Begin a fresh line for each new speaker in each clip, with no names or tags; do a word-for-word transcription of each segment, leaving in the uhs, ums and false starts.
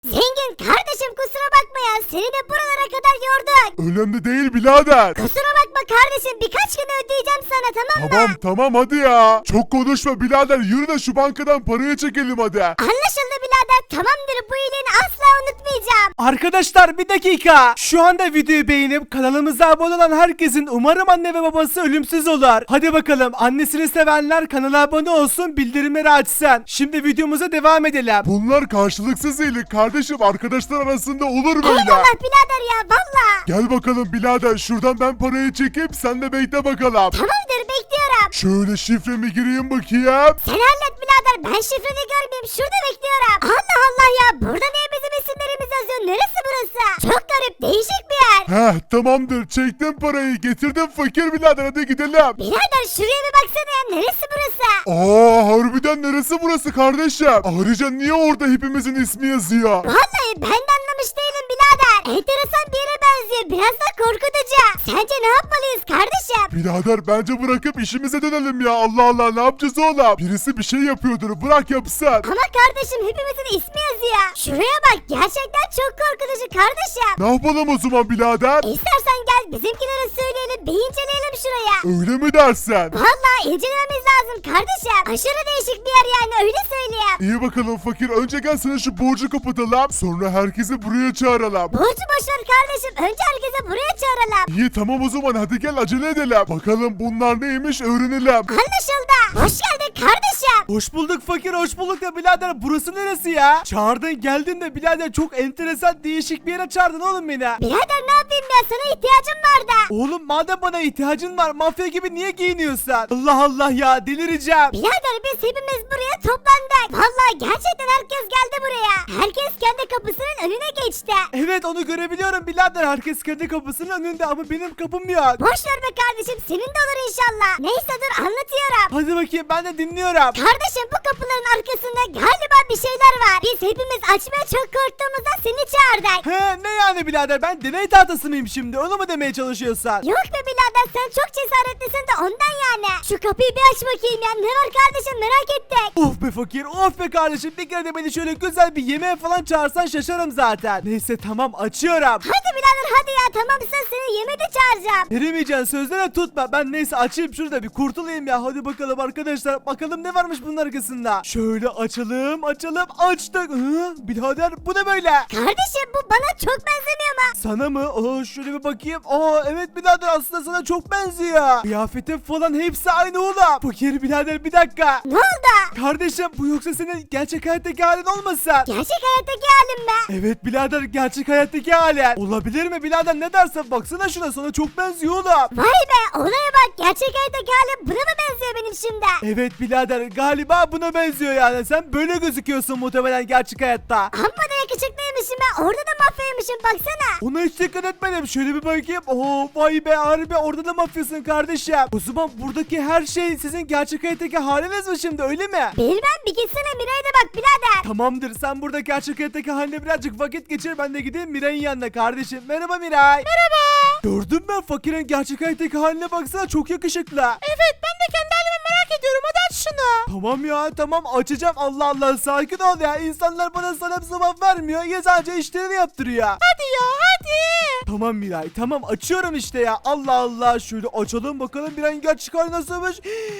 Zengin kardeşim kusura bakma ya seni de buralara kadar yorduk.
Önemli değil birader.
Kusura bakma kardeşim birkaç gün ödeyeceğim sana tamam mı?
Tamam tamam hadi ya. Çok konuşma birader, yürü de şu bankadan parayı çekelim hadi.
Anlaşıldı birader tamamdır bu iyiliğini asla unutmayacağım.
Arkadaşlar bir dakika. Şu anda videoyu beğenip kanalımıza abone olan herkesin umarım anne ve babası ölümsüz olur. Hadi bakalım, annesini sevenler kanala abone olsun, bildirimleri açsın. Şimdi videomuza devam edelim.
Bunlar karşılıksız iyilik kardeşim, arkadaşlar arasında olur böyle.
Eyvallah birader ya valla.
Gel bakalım birader, şuradan ben parayı çekip sen de bekle bakalım.
Tamamdır bekliyorum.
Şöyle şifremi gireyim bakayım.
Sen hallet birader ben şifreni görmeyeyim şurada bekliyorum. Allah Allah ya burada niye bizim isimlerimiz yazıyor neresi burası? Çok garip değişik bir yer.
Heh tamamdır, çektim parayı, getirdim fakir birader, hadi gidelim.
Birader şuraya bir baksana ya neresi burası?
Aa harbiden neresi burası kardeşim? Ayrıca niye orada hepimizin ismi yazıyor?
Vallahi ben de anlamış değilim birader. Enteresan bir yere benziyor biraz da korkutucu. Sence ne yapmalıyız kardeşim?
Birader bence bırakıp işimize dönelim ya, Allah Allah ne yapacağız oğlum? Birisi bir şey yapıyordur, bırak yapsın.
Ama kardeşim hepimizin ismi yazıyor. Şuraya bak gerçekten çok korkutucu kardeşim.
Ne yapalım o zaman birader?
İstersen gel bizimkilere söyleyelim bir inceleyelim şuraya.
Öyle mi dersen?
Vallahi incelememiz lazım kardeşim. Aşırı değişik bir yer yani öyle söyleyeyim.
İyi bakalım fakir, önce gel sana şu borcu kapatalım, sonra herkesi buraya çağıralım.
Borcu boşver kardeşim önce herkese buraya çağıralım.
İyi tamam o zaman, hadi gel acele edelim. Bakalım bunlar neymiş öğrenelim.
Anlaşıldı. Hoş geldin kardeşim.
Hoş bulduk fakir, hoş bulduk da birader, burası neresi ya? Çağırdın geldin de birader, çok enteresan değişik bir yere çağırdın oğlum beni.
Birader ne yapayım ya sana ihtiyacım vardı.
Oğlum madem bana ihtiyacın var, mafya gibi niye giyiniyorsun? Allah Allah ya, delireceğim.
Birader biz hepimiz buraya toplandık. Vallahi gerçekten herkes geldi buraya. Herkes kendi kapısının önüne geçti.
Evet onu görebiliyorum birader, herkes kendi kapısının önünde ama benim kapım yok.
Boş ver be kardeşim senin de olur inşallah. Neyse dur anlatıyorum.
Hadi bakayım, ben de dinliyorum.
Kardeşim bu kapıların arkasında galiba bir şeyler var. Biz hepimiz açmaya çok korktuğumuzdan seni çağırdık.
He ne yani birader, ben deney tahtası mıyım şimdi, onu mu demeye çalışıyorsan?
Yok be birader sen çok cesaretlisin de ondan yani. Şu kapıyı bir aç bakayım ya ne var kardeşim merak ettik.
Of be fakir, of be kardeşim, bir kere de beni şöyle güzel bir yemeğe falan çağırsan şaşarım zaten. Neyse tamam, açıyorum.
Hadi birader hadi ya tamamsa seni yemeğe de çağıracağım.
Veremeyeceksin, sözlerine tutma. Ben neyse açayım şurada bir kurtulayım ya. Hadi bakalım arkadaşlar, bakalım ne varmış bunun arkasında. Şöyle açalım açalım, açtık. Hı, birader bu ne böyle?
Kardeşim bu bana çok benzemiyor mu?
Sana mı? Aa, şöyle bir bakayım. Aa evet birader, aslında sana çok benziyor. Kıyafetin falan hepsi aynı oğlum. Fakir birader bir dakika.
Ne oldu?
Kardeşim bu yoksa senin gerçek hayattaki halin olmasın?
Gerçek hayattaki halim mi?
Evet birader, gerçek hayattaki halin. Olabilir mi birader, ne dersen, baksana şuna, sana çok benziyor oğlum.
Vay be olaya bak gerçek hayattaki halim buna mı benziyor benim şimdi?
Evet birader, galiba buna benziyor yani. Sen böyle gözüküyorsun muhtemelen gerçek hayatta.
Amma da yakışıklıymışım ben orada da mafyaymışım baksana.
Ona hiç dikkat etmedim. Şöyle bir bakayım. Oo vay be, harbi orada da mafyasın kardeşim. O zaman buradaki her şey sizin gerçek hayattaki haliniz mi şimdi, öyle mi?
Bilmem bir gitsene Miray'a da bak birader.
Tamamdır, sen burada gerçek hayattaki haline birazcık vakit geçir, ben de gideyim Miray'ın yanına kardeşim. Merhaba Miray. Merhaba. Gördün mü, fakirin gerçek hayattaki haline baksana, çok yakışıklı.
Evet ben de kendi halime merak ediyorum hadi aç şunu.
Tamam ya tamam, açacağım. Allah Allah, sakin ol ya, insanlar bana sana cevap vermiyor ya, sadece işlerini yaptırıyor.
Hadi ya hadi.
Tamam Miray, tamam açıyorum işte ya. Allah Allah, şöyle açalım bakalım Miray'ın gerçek hali nasılmış.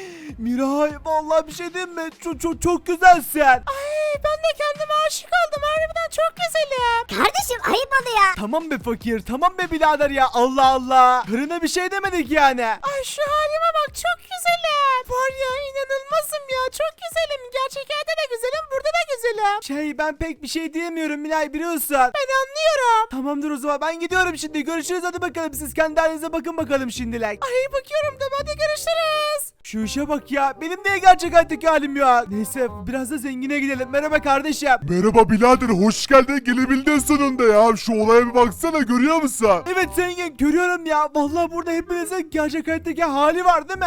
Miray vallahi bir şey diyeyim mi, çok çok çok güzelsin.
Ay ben de kendime aşık oldum harbiden çok güzelim. Kardeşim ayıp oluyor.
Tamam be fakir, tamam be birader ya, Allah Allah. Karına bir şey demedik yani.
Ay şu halime bak çok güzelim. Var ya inanılmazım ya çok güzelim. Gerçek hayatta da güzelim burada da güzelim.
Şey, ben pek bir şey diyemiyorum Miray, biliyorsun.
Ben anlıyorum.
Tamamdır o zaman, ben gidiyorum şimdi, görüşürüz, hadi bakalım, siz kendi halinize bakın bakalım şimdilik.
Ay bakıyorum da hadi görüşürüz.
Şu işe bak ya, benim niye gerçek hayattaki halim ya. Neyse biraz da zengine gidelim. Merhaba kardeşim.
Merhaba birader, hoş geldin, gelebildin sonunda ya. Şu olaya bir baksana, görüyor musun?
Evet zengin, görüyorum ya. Vallahi burada hepinizin gerçek hayattaki hali var değil mi?
Aynen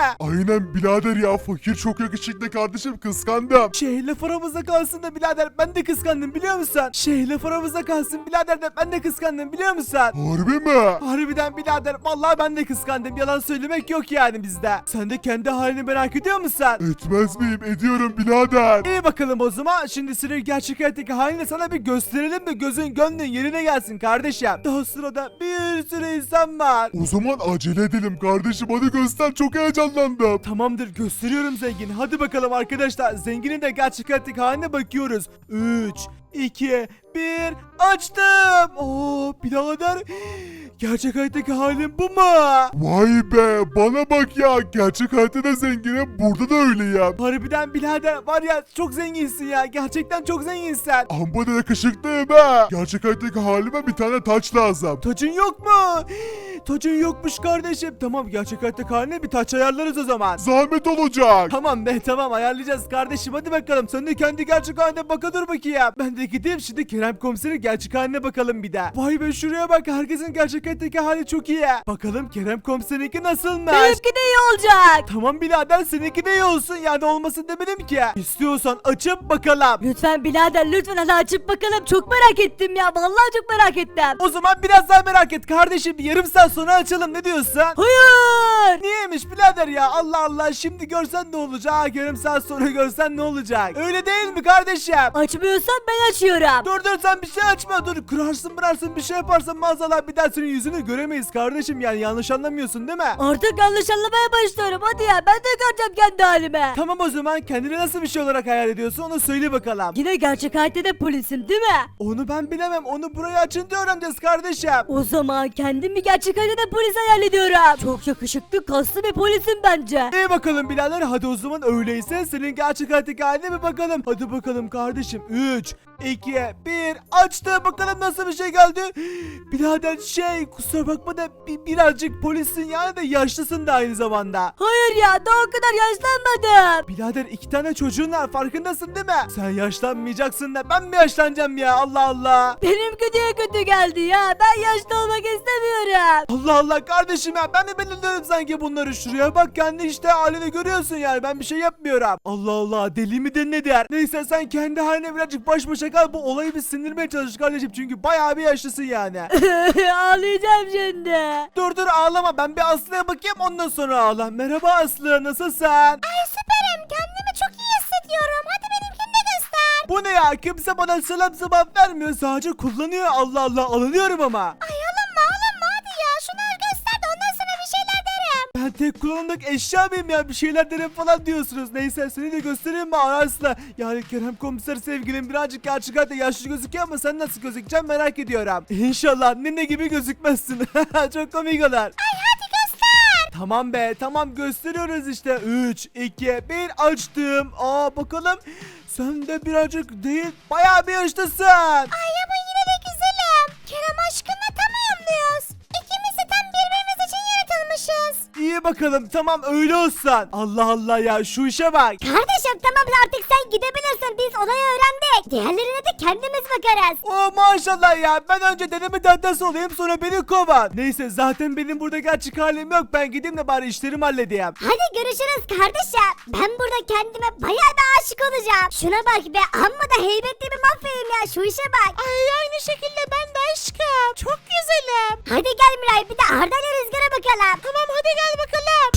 Aynen birader ya, fakir çok yakışıklı kardeşim, kıskandım.
Şey laf aramızda kalsın da birader ben de kıskandım biliyor musun? Şey laf aramızda kalsın birader de ben de kıskandım biliyor musun?
Harbi mi?
Harbiden birader vallahi ben de kıskandım, yalan söylemek yok yani bizde. Sen de kendi halini merak ediyor musun?
Etmez miyim? Ediyorum birader.
İyi bakalım o zaman, şimdi senin gerçek hayattaki halini sana bir gösterelim de gözün gönlün yerine gelsin kardeşim. Daha sırada bir sürü insan var.
O zaman acele edelim kardeşim, hadi göster, çok heyecanlandım.
Tamamdır, gösteriyorum zengin. Hadi bakalım arkadaşlar, zenginin de gerçek hayattaki haline bakıyoruz. üç, iki, bir, açtım. Oo birader, gerçek hayattaki halim bu mu?
Vay be, bana bak ya, gerçek hayatta da zenginim, burada da öyleyim.
Harbiden birader var ya, çok zenginsin ya, gerçekten çok zenginsin.
Amma da yakışıklıyım ha. Gerçek hayattaki halime bir tane taç lazım.
Tacın yok mu? Tacın yokmuş kardeşim. Tamam, gerçek hayattaki haline bir taç ayarlarız o zaman.
Zahmet olacak.
Tamam be, tamam ayarlayacağız kardeşim, hadi bakalım. Sen de kendi gerçek haline baka dur bakayım. Ben de gideyim şimdi Kerem komiserin gerçek haline bakalım bir de. Vay be, şuraya bak, herkesin gerçek hayattaki hali çok iyi. Bakalım Kerem komiserinki nasılmış?
Benimki de iyi olacak.
Tamam birader, seninki de iyi olsun, yani olmasın demedim ki. İstiyorsan açıp bakalım.
Lütfen birader, lütfen hadi açıp bakalım. Çok merak ettim ya. Vallahi çok merak ettim.
O zaman biraz daha merak et kardeşim, bir yarım saat sonra açalım, ne diyorsun?
Hayır.
Niyeymiş birader ya, Allah Allah, şimdi görsen ne olacak, yarım saat sonra görsen ne olacak? Öyle değil mi kardeşim?
Açmıyorsan ben açıyorum.
Dur dur, sen bir şey açma, dur, kırarsın bırarsın bir şey yaparsan maazallah bir daha senin yüzünü göremeyiz kardeşim, yani yanlış anlamıyorsun değil mi?
Artık yanlış anlamaya başlıyorum. Hadi ya, ben de göreceğim kendi halime.
Tamam, o zaman kendini nasıl bir şey olarak hayal ediyorsun, onu söyle bakalım.
Yine gerçek hayatta da polisim değil mi?
Onu ben bilemem, onu buraya açınca öğreneceğiz kardeşim.
O zaman kendimi gerçek hayatta da polis hayal ediyorum. Çok yakışıklı, kaslı bir polisim bence.
İyi bakalım birader, hadi o zaman öyleyse senin gerçek hayattaki haline bir bakalım. Hadi bakalım kardeşim, üç, iki, bir, açtı, bakalım nasıl bir şey geldi. Birader şey, kusura bakma da bi- birazcık polissin yani, de yaşlısın da aynı zamanda.
Hayır ya, daha o kadar yaşlanmadım.
Birader iki tane çocuğun var, farkındasın değil mi? Sen yaşlanmayacaksın da ben mi yaşlanacağım ya, Allah Allah.
Benimki diye kötü geldi ya. Ben yaşlı olmak istemiyorum.
Allah Allah kardeşim ya, ben de belirliyorum sanki bunları. Şuraya bak, kendi işte halini görüyorsun yani, ben bir şey yapmıyorum. Allah Allah, deli mi nedir? Neyse, sen kendi haline birazcık baş başa kal, bu olayı bir sindirmeye çalış kardeşim, çünkü bayağı bir yaşlısın yani.
Ağlayacağım şimdi.
Dur dur, ağlama, ben bir Aslı'ya bakayım, ondan sonra ağla. Merhaba Aslı, nasılsın?
Ay süperim. Kendimi çok iyi hissediyorum. Hadi benimkini de göster.
Bu ne ya, kimse bana selam cevap vermiyor, sadece kullanıyor. Allah Allah, alınıyorum ama.
Ay alınma alınma, hadi ya. Şunları göster de ondan sonra bir şeyler derim.
Ben tek kullanımlık eşya mıyım ya, bir şeyler derim falan diyorsunuz. Neyse, seni de göstereyim mi Aslı? Yani Kerem komiser sevgilim birazcık gerçek hayatta yaşlı gözüküyor ama sen nasıl gözükeceksin merak ediyorum. İnşallah nene gibi gözükmezsin. Çok komik olur.
Ay hadi göster.
Tamam be, tamam gösteriyoruz işte. üç, iki, bir, açtım. Aa bakalım. Sen de birazcık değil, bayağı bir yaşlısın.
Ay ama yine de güzelim. Kerem aşkınla tam uyumluyuz. İkimiz de tam birbirimiz için yaratılmışız.
İyi bakalım, tamam öyle olsun. Allah Allah ya, şu işe bak.
Kardeşim tamam, artık sen gidebilirsin. Biz olayı öğrendik. Diğerlerine de kendimiz bakarız.
Oh maşallah ya, ben önce deneme tahtası olayım, sonra beni kovan. Neyse, zaten benim burada gerçek halim yok, ben gideyim de bari işlerimi halledeyim.
Hadi görüşürüz kardeşim. Ben burada kendime bayağı da aşık olacağım. Şuna bak be, amma da heybetli bir mafyayım ya, şu işe bak. Ay aynı şekilde ben de aşkım. Çok güzelim. Hadi gel Miray, bir de Arda ile Rüzgar'a bakalım. Tamam hadi gel bakalım.